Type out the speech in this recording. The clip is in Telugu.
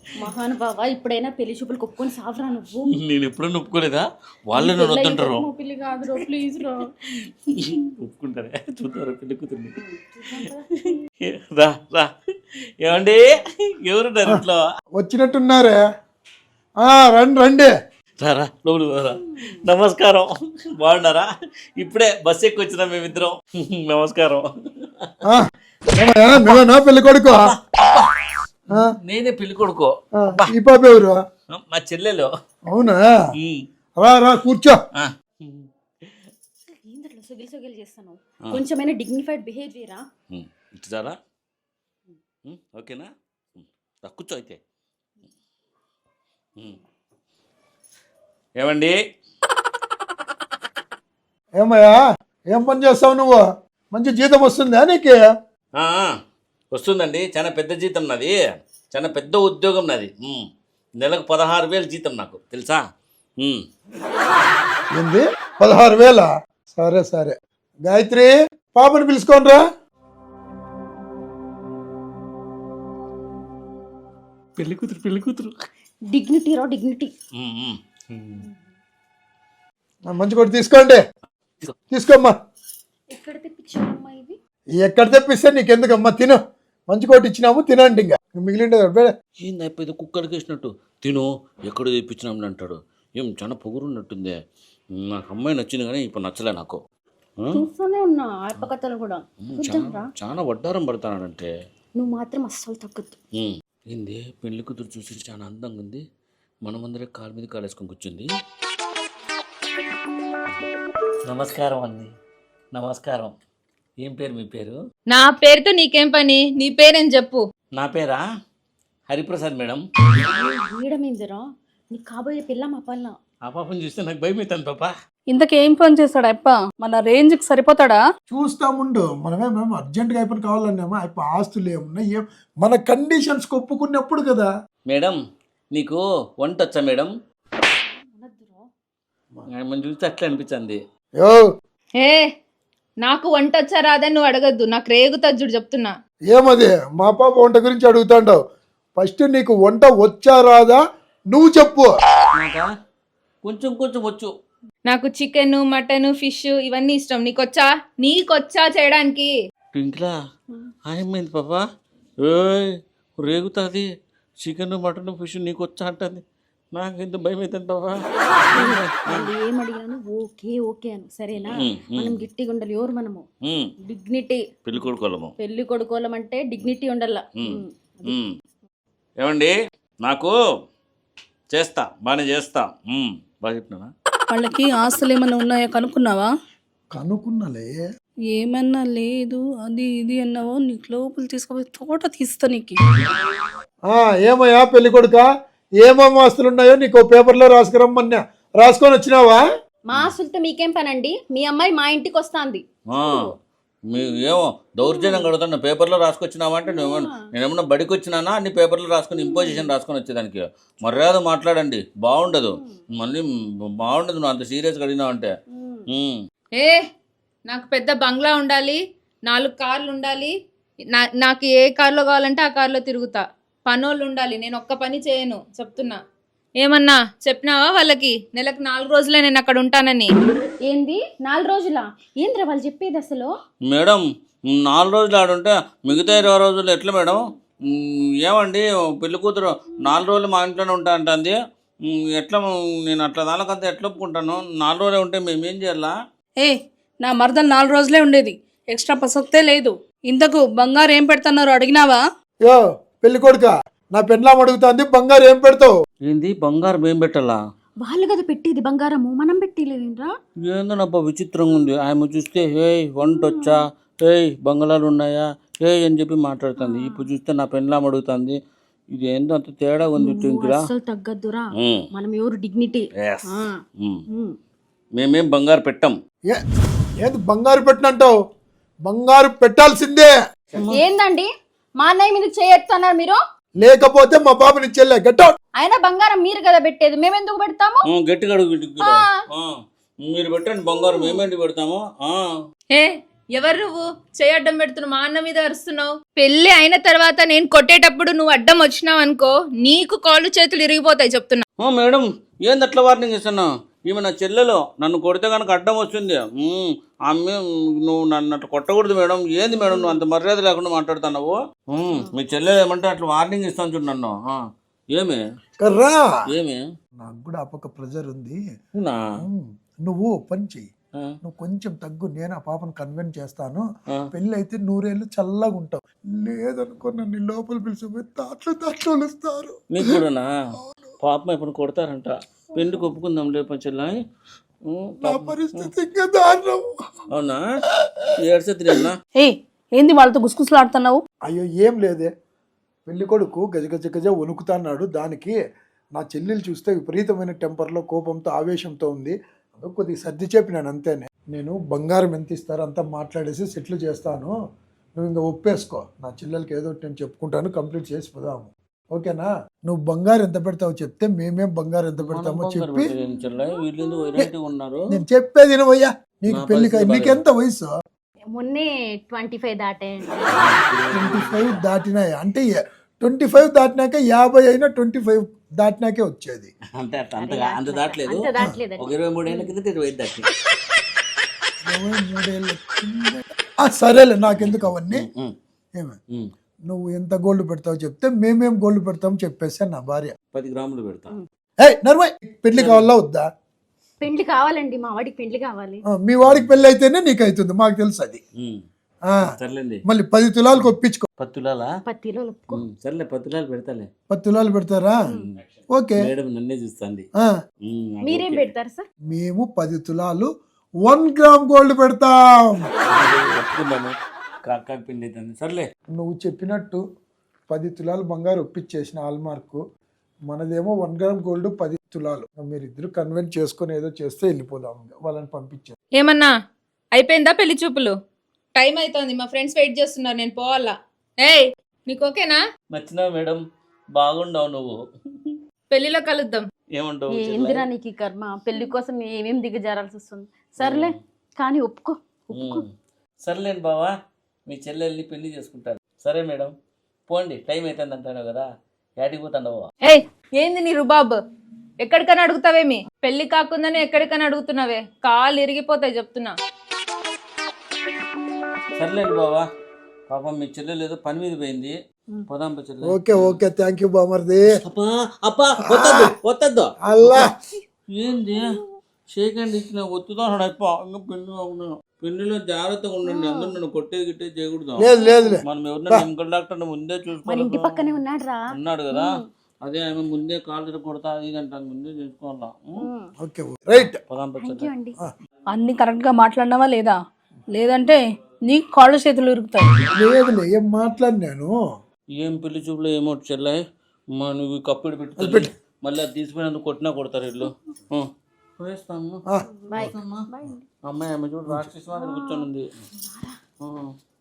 మహానుభావ ఇప్పుడైనా పెళ్లి చూపులు కొప్పుకొని సావరా నువ్వు. నేను ఎప్పుడూ ఒప్పుకోలేదా? వాళ్ళే నన్ను వద్దంటారు. పెళ్లి కాదు రో, ప్లీజ్ రో. ఒప్పుకుంటారే, చూద్దారా పెళ్లి కూతుర్ని. రా రా. ఏమండి, ఎవరున్నారు ఇంట్లో? వచ్చినట్టున్నారే. రండి రండి. రారా లోపలి రా. నమస్కారం, బాగున్నారా? ఇప్పుడే బస్ ఎక్కి వచ్చినా మేమిద్దరం. నమస్కారం. నువ్వేనా పెళ్లి కొడుకు? నేనే పెళ్లి కొడుకో. ఈ పాప ఎవరు? మా చెల్లెలు. అవునా? రా రా కూర్చో. ఏందట్లా సొగిలి సొగిలి చేస్తాను? కొంచెమైనా డిగ్నిఫైడ్ బిహేవియరా? ఇటు చాలా ఓకేనా? కూర్చో అయితే. ఏమండి, ఏమయ్యా ఏం పని చేస్తావు నువ్వు? మంచి జీతం వస్తుందా నీకు? వస్తుందండి. చాలా పెద్ద జీతం నాది, చాలా పెద్ద ఉద్యోగం నాది. నెలకు 16,000 జీతం నాకు, తెలుసా? ఏంది 16,000? సరే సరే. గాయత్రి, పాపని పిలుచుకోనరా. పెళ్లి కూతురు, పెళ్లి కూతురు. డిగ్నిటీ రా, డిగ్నిటీ. మంచి కొట్టి తీసుకోండి. తీసుకోమ్మా. ఎక్కడ తెప్పించావమ్మా ఇవి? ఎక్కడ తెప్పిస్తే నీకెందుకమ్మా, తిను. మంచి కోటి ఇచ్చినాము, తినండి. ఇంకా మిగిలిండే ఏంది అయిపోయింది కుక్కడికి వేసినట్టు తిను. ఎక్కడ తెప్పించినామని అంటాడు. ఏం చాలా పొగురు ఉన్నట్టుందే. నాకు అమ్మాయి నచ్చింది కానీ ఇప్పుడు నచ్చలే నాకు. చూస్తూనే ఉన్నా ఆత్మకథలు కూడా. చాలా వడ్డారం పడతానంటే నువ్వు మాత్రం అస్సలు తగ్గద్దు. ఏంది పెళ్లి కూతురు చూసి చాలా అందంగా ఉంది. మనమందరే కాలు మీద కాలేసుకొని కూర్చుంది. నమస్కారం అండి. నమస్కారం. ఏం పేరు మీ పేరు? నా పేరుతో నీకేం పని? నీ పేరేం చెప్పు. నా పేరా హరిప్రసాద్ మేడం. వీడమేందిరా నీకు కాబోయే పిల్ల మా పల్ల. ఆ పాపని చూస్తే నాకు భయం అవుతుంది పాప. ఇంతకేం పని చేస్తాడు అప్ప? మన రేంజ్కి సరిపోతాడా? చూస్తాముండు. మనమేమేమో అర్జెంట్గా అయిపోయి కావాలన్నామా? అయిపో ఆస్తులు ఏమున్నా ఏం మన కండిషన్స్ ఒప్పుకున్నప్పుడు కదా. మేడం నీకు వంట వచ్చా మేడం? మనం చూస్తే అట్లా అనిపించింది. ఏ నాకు వంట వచ్చా రాదని నువ్వు అడగద్దు, నాకు రేగుతుంది చూడు చెప్తున్నా. ఏమది మా పాప వంట గురించి అడుగుతాండవు? ఫస్ట్ నీకు వంట వచ్చా రాదా నువ్వు చెప్పు. కొంచెం కొంచెం వచ్చు. నాకు చికెన్, మటన్, ఫిష్ ఇవన్నీ ఇష్టం. నీకొచ్చా? నీకొచ్చా చేయడానికి? ఇంట్లో ఆయమైంది పాప. రేగుతుంది. చికెన్, మటన్, ఫిష్ నీకు వచ్చా అంటుంది. నాకు ఇంత భయం అవుతుంది పాప. ఏమడిగాను ఓకే ఓకే అను, సరేనా? మనం గట్టిగా ఉండాలి. ఎవరు మనము? డిగ్నిటీ. పెళ్లి కొడుకోలము. పెళ్లి కొడుకోలం అంటే డిగ్నిటీ ఉండాల. ఏమండి, నాకు చేస్తా, బాగానే చేస్తా. బాగా చెప్పినా? వాళ్ళకి ఆస్తులు ఏమన్నా ఉన్నాయా కనుక్కున్నావా? కనుక్కున్నలే. ఏమన్నా లేదు అది ఇది అన్నావో నీకు లోపల తీసుకుపోయి తోట తీస్తా నీకు. ఏమయ్యా పెళ్లి కొడుక, ఏమేమి ఆస్తులు ఉన్నాయో నీకు పేపర్లో రాసుకురమ్మన్నా. రాసుకొని వచ్చినావా? మా ఆస్తులతో మీకేం పనండి? మీ అమ్మాయి మా ఇంటికి వస్తాంది. ఏమో దౌర్జన్యం కడుతున్నా. పేపర్లో రాసుకొచ్చినావా అంటే నేనేమన్నా బడికి వచ్చినానా అన్ని పేపర్లో రాసుకొని ఇంపోజిషన్ రాసుకొని వచ్చేదానికి? మర్యాద మాట్లాడండి, బాగుండదు. మళ్ళీ బాగుండదు నువ్వు అంత సీరియస్గా అడిగినావంటే. నాకు పెద్ద బంగ్లా ఉండాలి, 4 కార్లు ఉండాలి. నాకు ఏ కార్లో కావాలంటే ఆ కార్లో తిరుగుతా. పనోళ్ళు ఉండాలి, నేను ఒక్క పని చేయను చెప్తున్నా. ఏమన్నా చెప్పినావా వాళ్ళకి? నెలకు 4 రోజులే నేను అక్కడ ఉంటానని. ఏంది 4 రోజులా? ఏంద్రా వాళ్ళు చెప్పేది అసలు? మేడం 4 రోజులు ఆడుంటే మిగతా 20 రోజులు ఎట్లా మేడం? ఏమండి పెళ్లి కూతురు 4 రోజులు మా ఇంట్లోనే ఉంటా అంటుంది. ఎట్లా? నేను అట్లా దానికంతా ఎట్లా ఒప్పుకుంటాను? 4 రోజులే ఉంటే మేమేం చేయాలా? నా మరదలు 4 రోజులే ఉండేది, ఎక్స్ట్రా ప్రసక్తే లేదు. ఇంతకు బంగారు ఏం పెడుతున్నారు అడిగినావా? పెళ్లి కొడుక, నా పెండ్లాం అడుగుతాంది బంగారు ఏం పెడతావు? ఏంది బంగారం ఏం పెట్టాలా? వాళ్ళు కదా పెట్టేది బంగారము, మనం పెట్టలేదేంట్రా? ఏందోనబ్బా విచిత్రంగా ఉంది. ఆమె చూస్తే వంట వచ్చా, బంగాళాలు ఉన్నాయా అని చెప్పి మాట్లాడుతుంది. ఇప్పుడు చూస్తే నా పెండ్లాం అడుగుతుంది. ఇది ఏందో అంత తేడా ఉంది. అసలు తగ్గద్దురా, మనం ఎవరు డిగ్నిటీ. మేమేం బంగారు పెట్టాం. ఏది బంగారు పెట్టినంటావు? బంగారు పెట్టాల్సిందే. ఏందండి మా అన్నయ్య మీద చేయొచ్చన్నారు మీరు? లేకపోతే మా పాపని చెల్లె గెట్అవుట్. అయినా బంగారం మీరు కదా పెట్టేది, మేమెందుకు పెడతాము? గట్టిగా అడుగు. మీరు పెట్టండి బంగారం, మేమేంటి పెడతాము? ఎవరు నువ్వు చేయి అడ్డం పెడుతున్నావు, మా అన్న మీద అరుస్తున్నావు. పెళ్లి అయిన తర్వాత నేను కొట్టేటప్పుడు నువ్వు అడ్డం వచ్చినావు అనుకో, నీకు కాళ్ళు చేతులు ఇరిగిపోతాయి చెప్తున్నా. మేడం ఏంది అట్లా వార్నింగ్ ఇస్తున్నావు? ఈమె నా చెల్లెలో, నన్ను కొడితే కనుక అడ్డం వస్తుంది. ఆమె నువ్వు నన్ను అట్లా కొట్టకూడదు మేడం. ఏంది మేడం నువ్వు అంత మర్యాద లేకుండా మాట్లాడుతున్నావు? మీ చెల్లెలు ఏమంటే అట్లా వార్నింగ్ ఇస్తాను చూడు నన్ను. ఏమి కర్రా ఏమి నాకు కూడా ఆ పక్క ప్రెజర్ ఉంది. అవునా? నువ్వు పని చెయ్యి, నువ్వు కొంచెం తగ్గు, నేను ఆ పాపను కన్విన్స్ చేస్తాను. పెళ్ళి అయితే 100 ఏళ్ళు చల్లగా ఉంటావు. లేదనుకో నన్ను లోపల పిలిచిపోయి దాంట్లో వస్తారు. మీకు కూడానా? పాపం ఇప్పుడు కొడతారంట. పెళ్లికి ఒప్పుకుందాం లేప చెల్లాయి. నా పరిస్థితి ఇంకా దారుణం. అవునా? ఏడ్చొద్దులేనా? ఏంది వాళ్ళతో గుసగుసలాడుతున్నావు? అయ్యో ఏం లేదే, పెళ్లి కొడుకు గజ వణుకుతాన్నాడు. దానికి నా చెల్లెలు చూస్తే విపరీతమైన టెంపర్లో, కోపంతో, ఆవేశంతో ఉంది. అందుకు కొద్దిగా సర్ది చెప్పినాను అంతేనే. నేను బంగారం ఎంత ఇస్తారో అంతా మాట్లాడేసి సెటిల్ చేస్తాను, నువ్వు ఇంకా ఒప్పేసుకో. నా చెల్లెలకి ఏదో ఒకటి నేను చెప్పుకుంటాను, కంప్లీట్ చేసి పోదాము. ఓకేనా? నువ్వు బంగారం ఎంత పెడతావో చెప్తే మేమేం బంగారం ఎంత పెడతామో చెప్పి. నేను చెప్పేది వినవయ్యా, నీకు పెళ్లి నీకెంత వయసు? మొన్నే 25 దాటాయండి. 25 దాటినాయి అంటే 25 దాటినాక 50 అయినా 25 దాటినాకే వచ్చేది. అంటే అంత దాటలేదు. అంత దాటలేదండి. ఒక 23 ఏళ్ళ కింద 25 దాటి. 23 ఏళ్ళ కింద. సరేలే, నాకెందుకు అవన్నీ. ఏమే నువ్వు ఎంత గోల్డ్ పెడతావు చెప్తే మేమేం గోల్డ్ పెడతాం చెప్పేసా నా భార్య. 10 గ్రాములు పెడతా. నర్మయ్, పెళ్లి కావాలా వద్దా? పెండ్లి కావాలండి, మా వాడికి పెండ్లి కావాలి. మీ వాడికి పెళ్లి అయితేనే నీకు అవుతుంది, మాకు తెలుసు అది. సర్లేండి, మళ్ళీ 10 తులాలకు ఒప్పించుకో. 10 తులాలా? 10 కిలోలు ఒప్పుకో. సర్లే 10 తులాలు పెడతాలే. 10 తులాలు పెడతారా? ఓకే. మేడం నన్నే చూస్తుంది. మీరేం పెడతారు సార్? మేము 10 తులాలు 1 గ్రామ్ గోల్డ్ పెడతాం. కాకా పిండి అవుతుంది. సర్లే, నువ్వు చెప్పినట్టు 10 తులాలు బంగారు ఒప్పించేసిన హాల్మార్క్. మనదేమో 1 గ్రామ్ గోల్డ్ 10 తులాలు. మీరిద్దరు కన్వెన్స్ చేసుకుని ఏదో చేస్తే వెళ్ళిపోదాం, వాళ్ళని పంపించారు. ఏమన్నా అయిపోయిందా పెళ్లి చూపులు? టైం అవుతుంది, మా ఫ్రెండ్స్ వెయిట్ చేస్తున్నారు, నేను పోవాలా. ఏయ్ నీకు ఓకేనా? నచ్చినావు మేడం, బాగుండవు నువ్వు. పెళ్లిలో కలుద్దాం. ఏమంటావు? ఏందిరా నీకు ఈ కర్మ, పెళ్లి కోసం ఏమేం దిగజారాల్సి వస్తుంది. సర్లే కానీ ఒప్పుకో. సర్లేండి బావా, మీ చెల్లెల్ని పెళ్లి చేసుకుంటారు. సరే మేడం, పోండి, టైం అవుతుంది అంటాను కదా, యాడికి పోతాండవు? ఏయ్ ఏంది నీ రుబాబ్? ఎక్కడికైనా అడుగుతావేమి? పెళ్లి కాకుండానే ఎక్కడికైనా అడుగుతున్నావే, కాళ్ళు ఇరిగిపోతాయి చెప్తున్నా. సర్లేండి బావా, పాపం మీ చెల్లెలు ఏదో పని మీద పోయింది, పోదాం చెల్లె. ఓకే థ్యాంక్ యూ బామర్ది. వద్దద్దు. అల్లా ఏంది షేకండి ఇచ్చిన ఒత్తుదా పెళ్లిలో జాగ్రత్తగా ఉండండి. అందరూ నన్ను కొట్టేది గిట్టేది చేయకూడదు. లేదు మనం ఎవరినైనా మెడికల్ డాక్టర్ ముందే మన ఇంటి పక్కనే ఉన్నాడు కదా, అదే ఆమె ముందే కాళ్ళు కొడతా అది అంటాను, ముందే చేసుకోవాలా. రైట్. అన్ని కరెక్ట్ గా మాట్లాడినావా లేదా? లేదంటే నీకు కాళ్ళు చేతులు ఇరుగుతాయి. లేదులే, ఏం మాట్లాడినాను? ఏం పెళ్లి చూపులో ఏమో చెల్లాయి, నువ్వు కప్పిడి పెట్టి మళ్ళీ అది తీసిపోయినందుకు కొట్టినా కొడతారు ఇల్లు. పోయేస్తాము. అమ్మాయి ఆమె చూడు రాక్షసి మాదిరి కూర్చొని ఉంది.